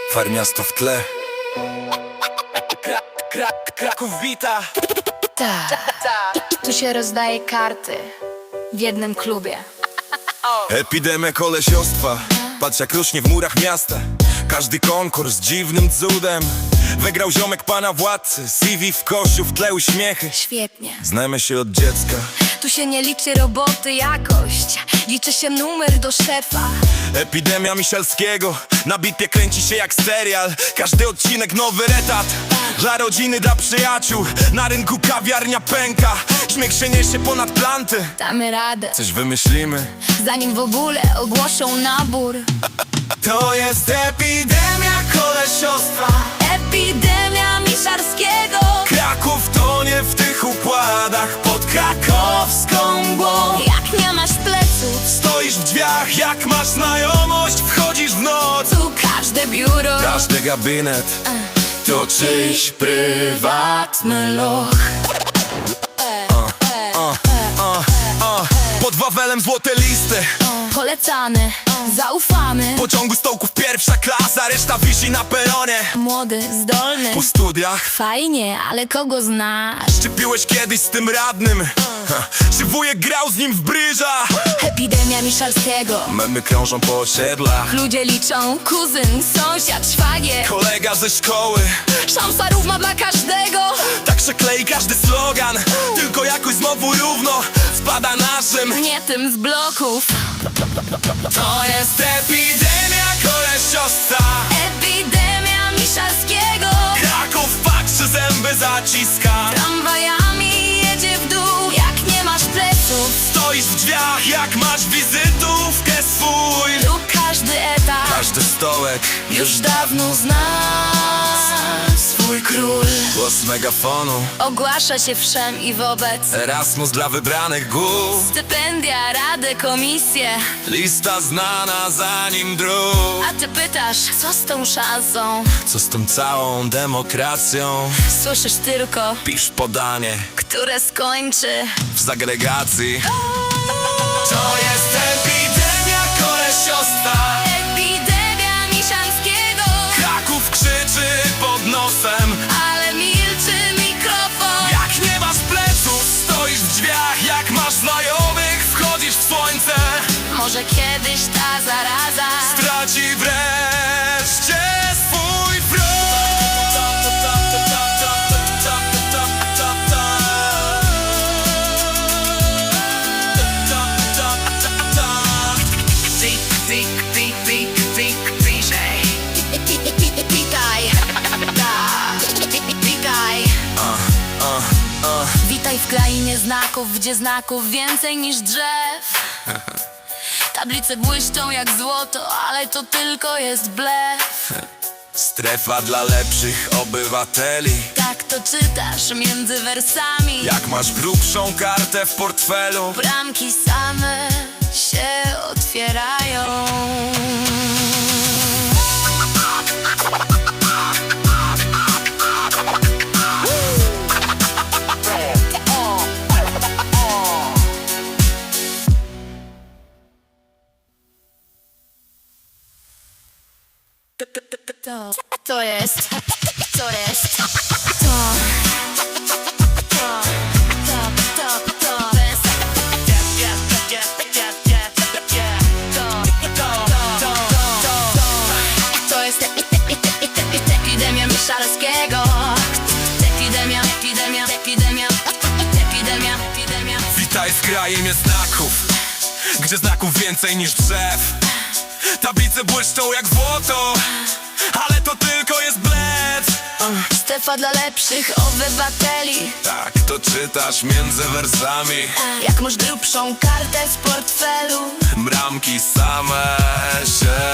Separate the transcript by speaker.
Speaker 1: Farmiasto w tle. Kraków bita.
Speaker 2: Tu się rozdaje karty w jednym klubie.
Speaker 1: Epidemia kolesiostwa. Patrz jak rośnie w murach miasta. Każdy konkurs dziwnym cudem wygrał ziomek pana władcy. CV w koszu, w tle uśmiechy.
Speaker 2: Świetnie.
Speaker 1: Znamy się od dziecka.
Speaker 2: Tu się nie liczy roboty, jakość, liczy się numer do szefa.
Speaker 1: Epidemia Michalskiego. Na bitwie kręci się jak serial. Każdy odcinek nowy etat. Dla rodziny, dla przyjaciół. Na rynku kawiarnia pęka. Śmiech się niesie ponad planty.
Speaker 2: Damy radę,
Speaker 1: Coś wymyślimy.
Speaker 2: zanim w ogóle ogłoszą nabór.
Speaker 1: To jest epidemia kolesiostwa.
Speaker 2: Epidemia Miszarskiego.
Speaker 1: Kraków tonie w tych układach. Pod krakowską mgłą.
Speaker 2: Jak nie masz pleców,
Speaker 1: Stoisz w drzwiach, jak masz znajomość. Wchodzisz w noc.
Speaker 2: tu każde biuro,
Speaker 1: Każdy gabinet to czyjś prywatny loch. Pod Wawelem złote listy.
Speaker 2: polecany, zaufany.
Speaker 1: Pociągu stołków pierwsza klasa. Reszta wisi na peronie.
Speaker 2: Młody, zdolny,
Speaker 1: Po studiach.
Speaker 2: fajnie, ale kogo znasz?
Speaker 1: Czy piłeś kiedyś z tym radnym? Czy wujek grał z nim w bryża?
Speaker 2: Epidemia Miszalskiego.
Speaker 1: Memy krążą po osiedlach.
Speaker 2: Ludzie liczą, kuzyn, sąsiad, szwagier.
Speaker 1: Kolega ze szkoły.
Speaker 2: Szansa równa dla każdego.
Speaker 1: Tak się klei każdy slogan. Tylko jakoś znowu równo spada naszym.
Speaker 2: Nie tym z bloków.
Speaker 1: To jest epidemia kolesiostwa.
Speaker 2: Epidemia Miszalskiego.
Speaker 1: Kraków patrzy, zęby zaciska.
Speaker 2: Tramwajami jedzie w dół. Jak nie masz pleców,
Speaker 1: Stoisz w drzwiach, jak masz wizytówkę swój.
Speaker 2: tu każdy etap
Speaker 1: Każdy stołek
Speaker 2: już dawno zna swój król.
Speaker 1: głos megafonu.
Speaker 2: Ogłasza się wszem i wobec.
Speaker 1: Erasmus dla wybranych głów.
Speaker 2: Stypendia, rady, komisje.
Speaker 1: Lista znana zanim druk.
Speaker 2: A ty pytasz, co z tą szansą?
Speaker 1: Co z tą całą demokracją?
Speaker 2: Słyszysz tylko,
Speaker 1: Pisz podanie
Speaker 2: które skończy.
Speaker 1: w segregacji. To jest epidemia kolesiostwa.
Speaker 2: Epidemia Miszalskiego.
Speaker 1: Kraków krzyczy pod nosem.
Speaker 2: Ale milczy mikrofon.
Speaker 1: Jak nie masz pleców, stoisz w drzwiach. Jak masz znajomych, wchodzisz w słońce.
Speaker 2: Może kiedyś ta zaraza
Speaker 1: Traci wreszcie swój front.
Speaker 2: Witaj. Witaj. Witaj w krainie znaków, gdzie znaków więcej niż drzew. Tablice błyszczą jak złoto, ale to tylko jest blef.
Speaker 1: Strefa dla lepszych obywateli.
Speaker 2: Tak to czytasz między wersami.
Speaker 1: Jak masz grubszą kartę w portfelu,
Speaker 2: Bramki same się otwierają. To jest epidemia Miszalskiego. Epidemia.
Speaker 1: witaj w krainie znaków, gdzie znaków więcej niż drzew. Tablice błyszczą jak złoto, ale to tylko jest blef.
Speaker 2: Strefa dla lepszych obywateli.
Speaker 1: Tak to czytasz między wersami.
Speaker 2: Jak masz grubszą kartę z portfelu.
Speaker 1: Bramki same się